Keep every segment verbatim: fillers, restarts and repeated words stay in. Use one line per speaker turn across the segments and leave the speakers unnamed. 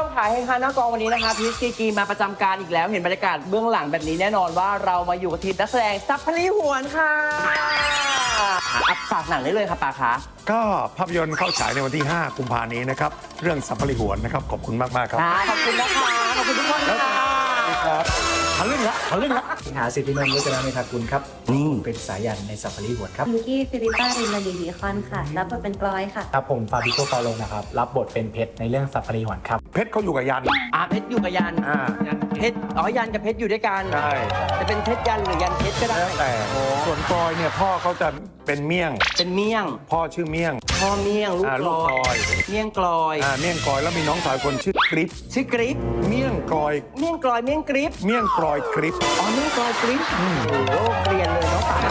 ถ่ายให้ค่ะหน้ากองวันนี้นะคะพีชกีกีมาประจำการอีกแล้วเห็นบรรยากาศเบื้องหลังแบบนี้แน่นอนว่าเรามาอยู่กับทีมนักแสดงซับพลีหวนค่ะอัพฝากหนังได้เลยค่ะปาคะ
ก็ภาพยนตร์เข้าฉายในวันที่ห้ากุมภาพันธ์นี้นะครับเรื่องสัพพลิหวนนะครับขอบคุณมากๆครับ
ขอบคุณนะคะขอบคุณทุกคนค่ะ
ครับทะลึ่งละทะลึ่งละ
สิงหาสิทธินนท์วัฒนาเมธากุลครับนี่เป็นสายันในสัพพลีหวนครับ
มิกกี้ฟิลิปป้ารินมาดีดีคอนค่ะรับบทเป็นกลอยค่ะ
ครับผมฟาบิโกฟาโลนะครับรับบทเป็นเพชรในเรื่องสัพพลีหวนครับ
เพชรเขาอยู่กับยัน
อ่าเพชรอยู่กับยัน
อ่า
เพชรอ๋อยันกับเพชรอยู่ด้วยกัน
ใช่
จะเป็นเพชรยันหรือยันเพชรก็ได้
แต่ส่วนกลอยเนี่ยพ่อเขาจะเป็นเมี่ยง
เป็นเมี่ยง
พ่อชื่อเมี่ยง
พ่อเมี่ยงลูกกลอยเมี่ยงกลอย
อ่าเมี่ยงกลอยแล้วมีน้องสาวคนชื่อกริป
ชื่อกริป
เมี่ยงกลอย
เมี่ยงกลอยเมี่ยงกริป
เมี่ยงกลอยกริป
อ๋อเมี่ยงกลอยกริปโอ้โหเกรียนเลยเนาะป่า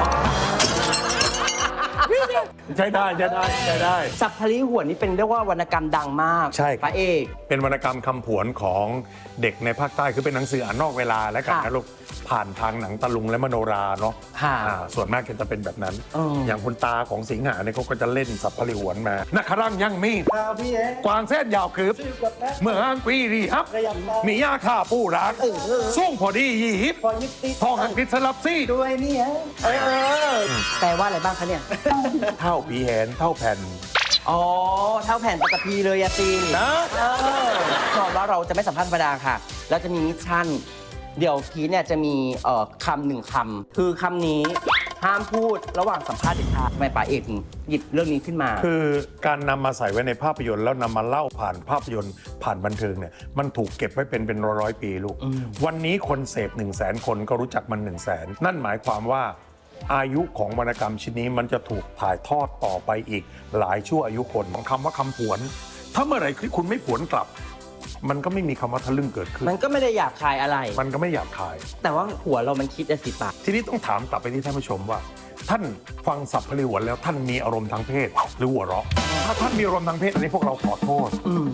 ใช่ได้ใช่ได้ใช่ได้
สัพพลีหวนนี่เป็นเรียกว่าวรรณกรรมดังมาก
ใช่
พระเอก
เป็นวรรณกรรมคำผวนของเด็กในภาคใต้คือเป็นหนังสืออ่านนอกเวลาและกันนะลูกผ่านทางหนังตะลุงและมโนราเนาะส่วนมากจะเป็นแบบนั้นอย่างคุณตาของสิงหาเนี่ยเขาก็จะเล่นสัพพลีหวนมานักขรั่งยังมีกวางเส้นยาวคืบเมื่ออังปีรีครับมียาข่าปูรักส่งพอดียีฮิปทองอังกฤษสลับซี่
ด้วยนี่ฮะเออแปลว่าอะไรบ้างคะเนี่ย
เท่าผีแหนเท่าแผ่น
อ๋อเท่าแผ่นปกติเลยอะตี
นะ
ก่อนว่าเราจะไม่สัมภาษณ์ธรรมดาค่ะแล้วจะมีมิชชั่นเดี๋ยวพีเนี่ยจะมีคำหนึ่งคำคือคำนี้ห้ามพูดระหว่างสัมภาษณ์เด็กค่ะทำไมป๋าเอกถึงหยิบเรื่องนี้ขึ้นมา
คือการนำมาใส่ไว้ในภาพยนตร์แล้วนำมาเล่าผ่านภาพยนตร์ผ่านบันเทิงเนี่ยมันถูกเก็บไว้เป็นเป็นร้อยๆปีลูกวันนี้คนเสพหนึ่งแสนคนก็รู้จักมันหนึ่งแสนนั่นหมายความว่าอายุของวรรณกรรมชิ้นนี้มันจะถูกถ่ายทอดต่อไปอีกหลายชั่วอายุคนของคำว่าคำผวนถ้าเมื่อไหร่คุณไม่ผวนกลับมันก็ไม่มีคำว่าทะลึ่งเกิดขึ้น
มันก็ไม่ได้หยาบคายอะไร
มันก็ไม่หยาบคาย
แต่ว่าหัวเรามันคิดอะสิปะ
ทีนี้ต้องถามกลับไปที่ท่านผู้ชมว่าท่านฟังสัพพลีหวนแล้วท่านมีอารมณ์ทางเพศหรือหัวเราะถ้าท่านมีอารมณ์ทางเพศอันนี้พวกเราขอโทษ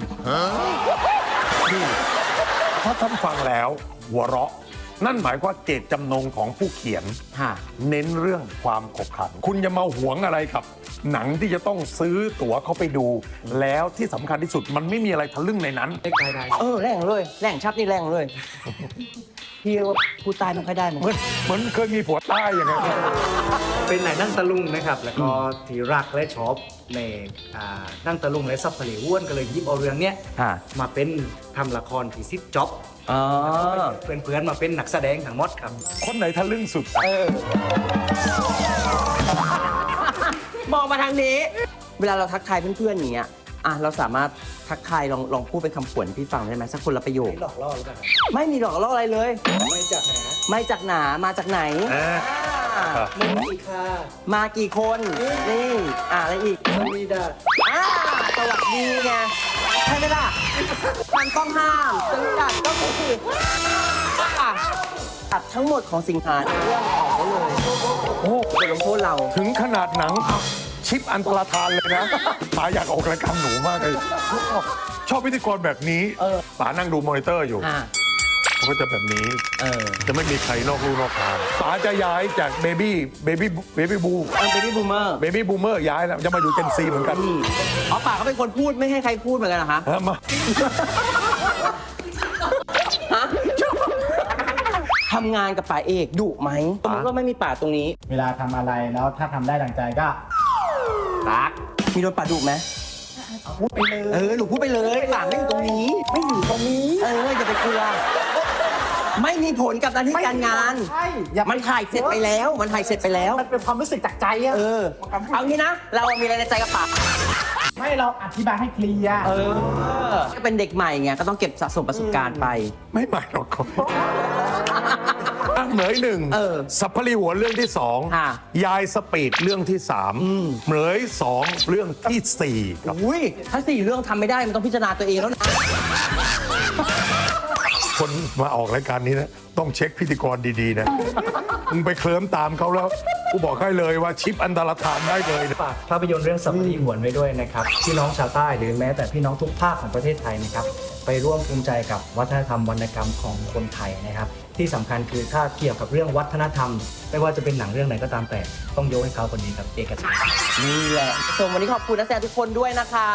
นี่ถ้าท่านฟังแล้วหัวเราะนั่นหมายว่าเจตจำนงของผู้เขียนเน้นเรื่องความขบขันคุณจะมาหวงอะไรกับหนังที่จะต้องซื้อตั๋วเข้าไปดูแล้วที่สำคัญที่สุดมันไม่มีอะไรทะลึ่งในนั้น
เออแรงเลยแรงชับนี่แรงเลยพี่ว่าผู้ตายไม่ค่อยได้เหมือน
เหมือนเคยมีผัวใต้อย่างเงี้ย
เป็นหนังนั่งตะลุงนะครับแล้วก็ที่รักและชอบในนั่งตะลุงและซับพลีหวนก็เลยยิบเอาเรื่องเนี้ยมาเป็นทำละครที่ซิปจ็อบเพื่อนๆมาเป็นนักแสดงทั้งหมดครับ
คนไหนทะลึ่งสุด
เออมองมาทางนี้เวลาเราทักทายเพื่อนๆอย่างเงี้ยอ่ะเราสามารถทักทายลองลองพูดเป็นคำขวัญพี่ฟังได้ไหมสักคนละประโยค
ไม่หลอกล่อหรือเปล่า
ไม่มีหลอกล่ออะไรเลย
ไม่จากไหน
ไม่จากหนามาจากไหน
มากี่ค่ะ
มากี่คนนี่อ่ะอะไรอีก
สวัสดีดา
อ่าสวัสดีไงใช่ไหมล่ะมันต้องห้ามสวัสดีดาก็คือตัดทั้งหมดของสิงหาในเรื่องออกไปเลยโอ้โหลงโทษเรา
ถึงขนาดหนังชิปอันตรธานเลยนะป๋าอยากออกรายการหนูมากเลยชอบพิธีกรแบบนี้ป๋านั่งดูมอนิเตอร์อยู่เขาก็จะแบบนี้จะไม่มีใครนอกลู่นอกทางป๋าจะย้ายจากเบบี้เบบี้เบบี้บู
เบบี้บูมเมอร์
เบบี้บูมเมอร์ย้ายแล้วจะมาอยู่เจนซีเหมือนกัน
อ๋อป๋าเขาเป็นคนพูดไม่ให้ใครพูดเหมือนกันนะคะ
มา
ทำงานกับป๋าเอกดุไหมสมมติว่าไม่มีป๋าตรงนี้
เวลาทำอะไรแล้วถ้าทำได้ดังใจก็
รักมีโดนป๋าดุไหม
พูดไปเลย
เออหนูพูดไปเลยป๋าไม่อยู่ตรงนี้
ไม่อยู่ตรงนี้
เอออย่าไปกลัวไม่มีผลกับหน้าที่การงาน
ใช่
มันถ่ายเสร็จไปแล้วมันถ่ายเสร็จไปแล้ว
มันเป็นความรู้สึกจากใจอะ
เออเอางี้นะเรามีอะไรในใจกับป๋า
ไม่เราอธิบายให้เคลียร์
เออก็เป็นเด็กใหม่ไงก็ต้องเก็บสะสมประสบการณ์ไป
ไม่ใหม่หรอกเหมยหนึ่งสัพพลีหัวเรื่องที่สองยายสปีดเรื่องที่สามเหมยสองเรื่องที่สี่
อุ้ยถ้าสี่เรื่องทำไม่ได้มันต้องพิจารณาตัวเองแล้วนะ
คนมาออกรายการนี้นะต้องเช็คพิธีกรดีๆนะมึงไปเคลิ้มตามเขาแล้วกูบอกให้เลยว่าชิปอันตรธานได้เลย
ฝากภาพยนตร์เรื่องสัพพลีหวนไว้ด้วยนะครับพี่น้องชาวใต้หรือแม้แต่พี่น้องทุกภาคของประเทศไทยนะครับไปร่วมภูมิใจกับวัฒนธรรมวรรณกรรมของคนไทยนะครับที่สำคัญคือถ้าเกี่ยวกับเรื่องวัฒนธรรมไม่ว่าจะเป็นหนังเรื่องไหนก็ตามแต่ต้องยกให้เขาคนนี้ครับเอกชัย
นี่แหละส่วนวันนี้ขอบคุณนักแสดงทุกคนด้วยนะคะ